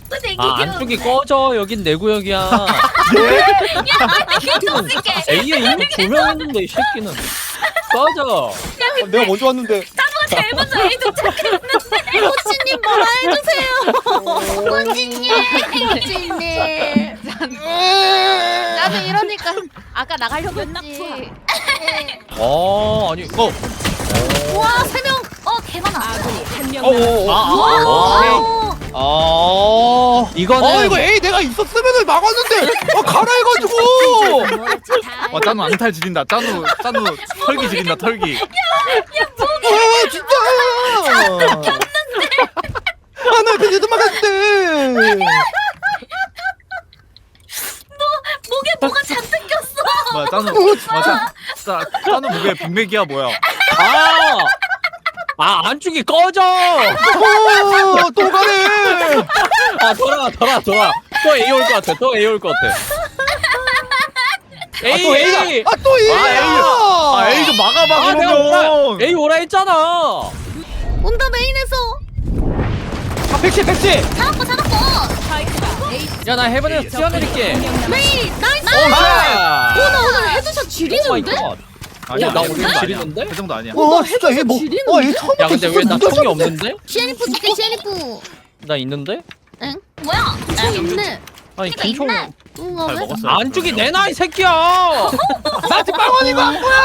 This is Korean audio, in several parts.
근데 아 안쪽이 꺼져. 여긴 내 구역이야. 개똥새끼. A에 이미 조명했는데 이 새끼는 꺼져. 내가 먼저 왔는데. 나보고 제일 먼저 A 도착했는데. 코치님 뭐라 해주세요. 꼬진님. 코치님. 나도 이러니까 아까 나가려고 했지. 아니 우와 3명. 개 많아. 이거는 이거 A 내가 있었으면은 막았는데. 가라해가지고. 짠우 앙탈 지린다. 짠우 털기 지린다. 털기. 진짜. 나 그래도 막았는데. 목에 뭐가 잔뜩 꼈어. 뭐야 짠우. 짠우 목에 빅맥이야 뭐야? 안쪽이 꺼져. 또 가네. 돌아. 또 A 올 것 같아. 또 A 올 것 같아. 또 A다. 또 A야. A 좀 막아봐 내가 그러면. A 오라 했잖아. 온다 메인에서. 백시. 잡았고. 야 나 해븐에서 뛰어내릴게. 메인 나이스. 나 오늘 헤드샷 지리는데? 아니야 나 그 오늘 정도 지리는데? 아니야. 그 정도 아니야. 진짜 얘 뭐? 얘 처음 야 근데 왜 나 총이 없는데? 시애니프 줄게 시애니프. 나 있는데? 응? 뭐야? 총 있네. 아니 그러니까 김총 있네. 뭔가 잘 왜? 먹었어. 안쪽이 내 나이 새끼야. 나한테 빵원이가 안 보여.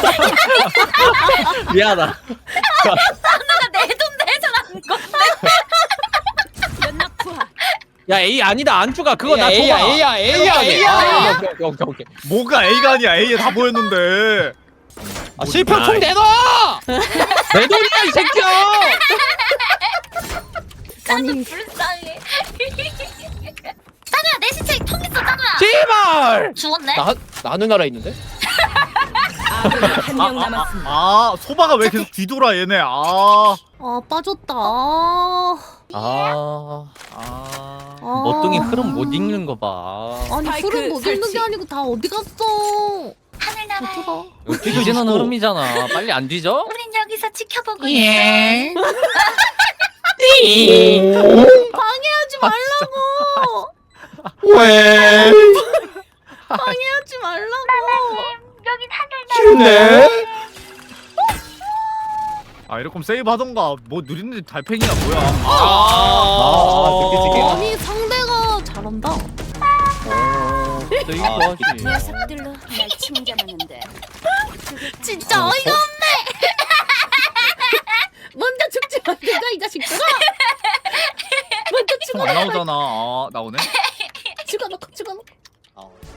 미안하다. 나가 내 돈 내자라는 건데. 야 A 아니다 안쪽아 그거 나 A야 줘봐. A야. 오케이. 뭐가 A가 아니야. A에 다 보였는데. 실평 총 내놔. 내 돈이야 이 새끼야. 아니 불쌍해. 짠우야 내 시체 통 있어 짠우야. 제발. 죽었네. 나 누나라 있는데? 소바가 왜 계속 뒤돌아 얘네. 아 빠졌다. 멋둥이 흐름 못 읽는 거 봐. 아니 흐름 못 읽는 게 아니고 다 어디 갔어? 하늘나라에. 좋더라. 이거 뒤지는 흐름이잖아. 빨리 안 뒤져? 우린 여기서 지켜보고 예. 있어. 방해하지 말라고. 왜? 방해하지 말라고. 여긴 하늘나라. 싫네. 이럴 거면 세이브 하던가. 뭐 누리는 달팽이야 뭐야. 느끼지게. 아니 상대가 잘한다. 이거 하지. 녀석들로 날 침잠하는데. 진짜 어이가 없네. 먼저 죽지 말든가 이 자식들아. 먼저 총 안 나오잖아. 나오네. 죽어놓고.